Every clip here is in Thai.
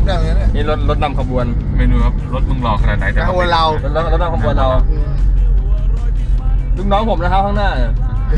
ได้เหมือนกันเนี่ยนี่รถนำขบวนไม่รู้ครับรถมึงหล่อขนาดไหนแต่ขบวนเรารถนำขบวนเราลูกน้องผมนะครับข้างหน้าเนี่ย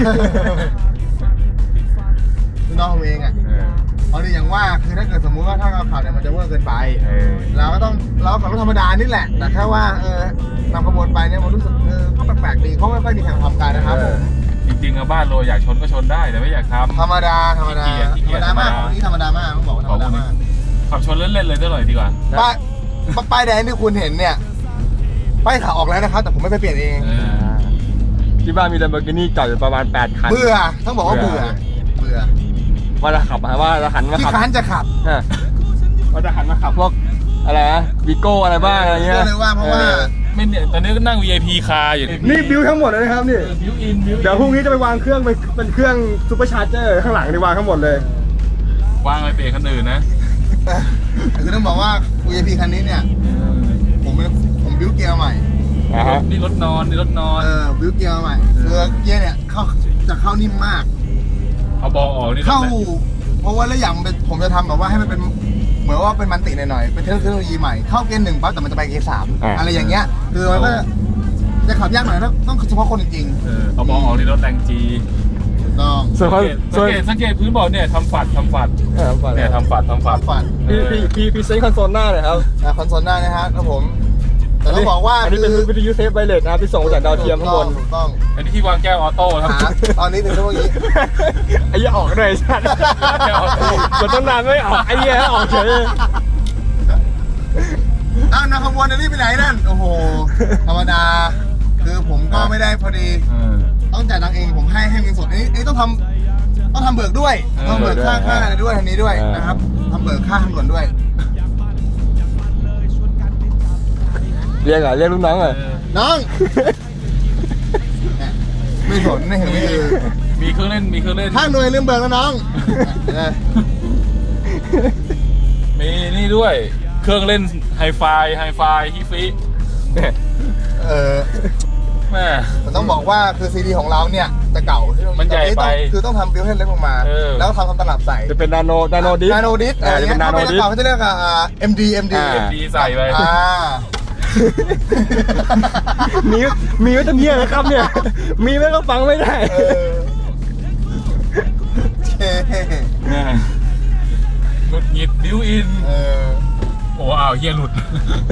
น้องผมเองอ่ะเอาดิอย่างว่าคือถ้าเกิดสมมุติว่าถ้าเราขับเนี่ยมันจะเวอร์เกินไปเราก็ต้องเราขับรถธรรมดานี่แหละแต่แค่ว่านำขบวนไปเนี่ยมันรู้สึกก็แปลกๆดีเพราะไม่ค่อยมีใครทำกันนะครับผมจริงๆอะบ้านโรยอยากชนก็ชนได้แต่ไม่อยากทำธรรมดาธรรมดาขี้เกียจมากนี่ธรรมดามากต้องบอกว่าธรรมดามากขับชนเล่นๆเลยได้หน่อยดีกว่าป้ายแดงที่คุณเห็นเนี่ยป้ายขาวออกแล้วนะครับแต่ผมไม่ไปเปลี่ยนเองที่บ้านมี Lamborghini จอดอยู่ประมาณ8 คันเบื่อต้องบอกว่าเบื่อว่าจะขับว่าจะหันมาที่ขับค้านจะขับว่าจะหันมาขับพวกอะไรนะวิโก้อะไรบ้างอะไรเงี้ยก็เลยว่าเพราะว่าไม่เนี่ยตอนนี้ก็นั่ง VIP คาร์อยู่นี่บิวทั้งหมดเลยนะครับนี่บิวอินเดี๋ยวพรุ่งนี้จะไปวางเครื่องเป็นเครื่องซูเปอร์ชาร์เจอร์ข้างหลังนี่วางทั้งหมดเลยวางไปเบรกคันอื่นนะคือต้องบอกว่า VIP คันนี้เนี่ยผมบิ้วเกียร์ใหม่นี่รถนอนนี่รถนอนบิ้วเกียร์ใหม่คือเกียร์เนี่ยเข้านิ่มมากเอาบอลออกนี่เข้าเพราะว่าแล้วอย่างผมจะทำแบบว่าให้มันเป็นเหมือนว่าเป็นมันติหน่อยๆเป็นเทคโนโลยีใหม่เข้าเกียร์1ปั๊บแต่มันจะไปเกียร์3อะไรอย่างเงี้ยคือมันก็จะขับยากหน่อยต้องเฉพาะคนจริงเอาบอลออกนี่รถแรงจีๆต้องสังเกตพื้นบอลเนี่ยทำฝัดเนี่ยทำฝัดฝันพี่เซ็นคอนโซลหน้าเลยครับคอนโซลหน้านะฮะครับผมแต่ต้องบอกว่าอันนี้เป็นวิทยุเซฟไวเลสนะครับที่ส่งจากดาวเทียมข้างบนถูกต้องอันนี้ที่วางแก้วออโต้ครับตอนนี้ถึงเมื่อกี้ไอ้เหี้ยออกเลยชัดกดตั้งนานไม่ออกไอ้เหี้ยออกเฉยนักขบวนอันนี้ไปไหนนั่นโอ้โหธรรมดาคือผมก็ไม่ได้พอดีต้องจ่ายตังค์เองผมให้เงินสดอันนี้ต้องทำเบิกด้วยต้องเบิกค่าอะไรด้วยทางนี้ด้วยนะครับทำเบิกค่าทางด่วนด้วยเรียกลูกน้องเลยน้องไม่สนไม่เห็นไม่คือมีเครื่องเล่นข้างหน่วยลืมเบิกแล้วน้องมีนี่ด้วยเครื่องเล่นไฮไฟฮิฟิแม่ต้องบอกว่าคือซีดีของเราเนี่ยจะเก่ามันใหญ่ไปคือต้องทำบิลให้เล็กลงมาแล้วทำตลับใส่จะเป็นนาโนดิสอะไรเงี้ยเขาจะเรียกMD ใส่ไปมีไว้ตรงนี้นะครับเนี่ยมีไว้ก็ฟังไม่ได้หงุดหงิดบิวอินโอ้อ้าวเฮียหลุด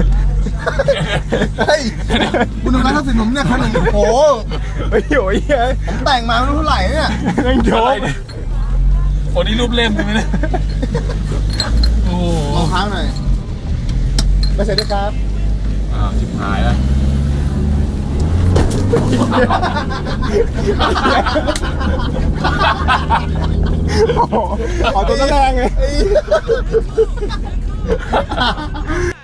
เฮ้ยคุณดูร้านทัศน์ผมเนี่ยคันหนึ่งโอ้โหโอ้ยผมแต่งมาไม่รู้เท่าไหร่เนี่ยยังโดนคนนี้รูปเล่มใช่ไหมเนี่ยโอ้ลองค้างหน่อยไม่ใช่ด้วยครับชิบหายแล้วขอตัวแรงไง